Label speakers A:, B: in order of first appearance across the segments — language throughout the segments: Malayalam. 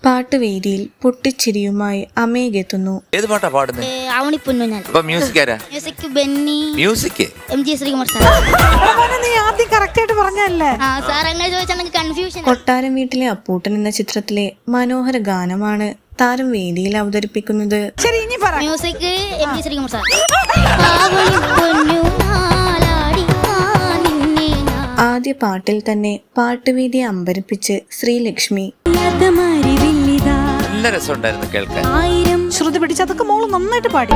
A: പാട്ടുവേദിയിൽ പൊട്ടിച്ചിരിയുമായി അമേഘെത്തുന്നു.
B: ഏത് പാട്ടാ പാടുന്നത്?
C: Music Benny,
B: music
C: MG Sreekumar sir.
D: നീ ആദ്യം കറക്റ്റ് ആയിട്ട് പറഞ്ഞല്ലേ?
C: സാർ അങ്ങനെ ചോദിച്ചാൽ കൺഫ്യൂഷൻ.
A: കൊട്ടാരം വീട്ടിലെ അപ്പൂട്ടൻ എന്ന ചിത്രത്തിലെ മനോഹര ഗാനമാണ് താരം വേദിയിൽ അവതരിപ്പിക്കുന്നത്.
D: ശരി, ഇനി പറ.
C: Music MG Sreekumar sir.
A: ആദ്യ പാട്ടിൽ തന്നെ പാട്ടുവേദിയെ അമ്പരിപ്പിച്ച് ശ്രീലക്ഷ്മി.
B: നല്ല രസമുണ്ടായിരുന്നു കേൾക്കാൻ.
D: ശ്രുതി പിടിച്ച് അതൊക്കെ മോള് നന്നായിട്ട് പാടി.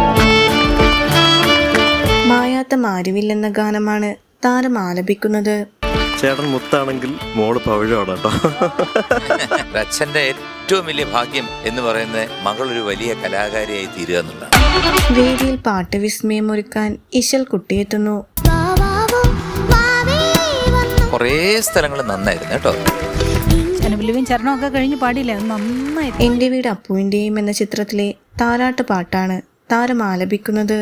A: മായാത്ത മാരുവിൽ എന്ന ഗാനമാണ് താരം ആലപിക്കുന്നത്.
E: ചേട്ടൻ മുത്താണെങ്കിൽ മോള് പവിഴമാണ് കേട്ടോ.
B: അച്ഛന്റെ ഏറ്റവും വലിയ ഭാഗ്യം എന്ന് പറയുന്നത് മകളൊരു വലിയ കലാകാരിയായി തീരുക എന്നുള്ളതാണ്.
A: വേദിയിൽ പാട്ട് വിസ്മയം ഒരുക്കാൻ ഇശൽ കുട്ടിയെത്തുന്നു.
B: കുറേ സ്ഥലങ്ങൾ നന്നായിരുന്നു കേട്ടോ.
D: ചരണമൊക്കെ കഴിഞ്ഞ് പാടിയില്ലേ, നന്നായി.
A: എന്റെ വീട് അപ്പുവിന്റെയും എന്ന ചിത്രത്തിലെ താരാട്ട് പാട്ടാണ് താരം ആലപിക്കുന്നത്.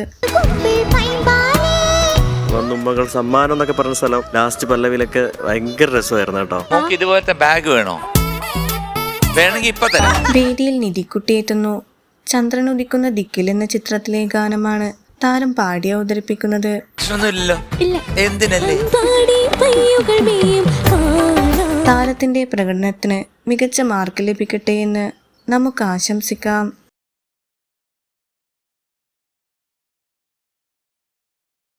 E: വന്നുമ്മകൾ സമ്മാനം എന്നൊക്കെ പറഞ്ഞ സ്ഥലം ലാസ്റ്റ് പല്ലവിയിലൊക്കെ ഭയങ്കര രസമായിരുന്നു കേട്ടോ.
B: നമുക്ക് ഇതുപോലത്തെ ബാഗ് വേണോ? വേണമെങ്കിൽ ഇപ്പൊ തരാം.
A: വേദിയിൽ നിധിക്കുട്ടിയെത്തുന്നു. ചന്ദ്രൻ ഉദിക്കുന്ന ദിക്കിൽ എന്ന ചിത്രത്തിലെ ഗാനമാണ് താരം പാടി അവതരിപ്പിക്കുന്നത്.
B: പ്രശ്നമൊന്നുമില്ലല്ലോ, എന്തിനല്ലേ?
A: താരത്തിന്റെ പ്രകടനത്തിന് മികച്ച മാർക്ക് ലഭിക്കട്ടെ എന്ന് നമുക്ക് ആശംസിക്കാം.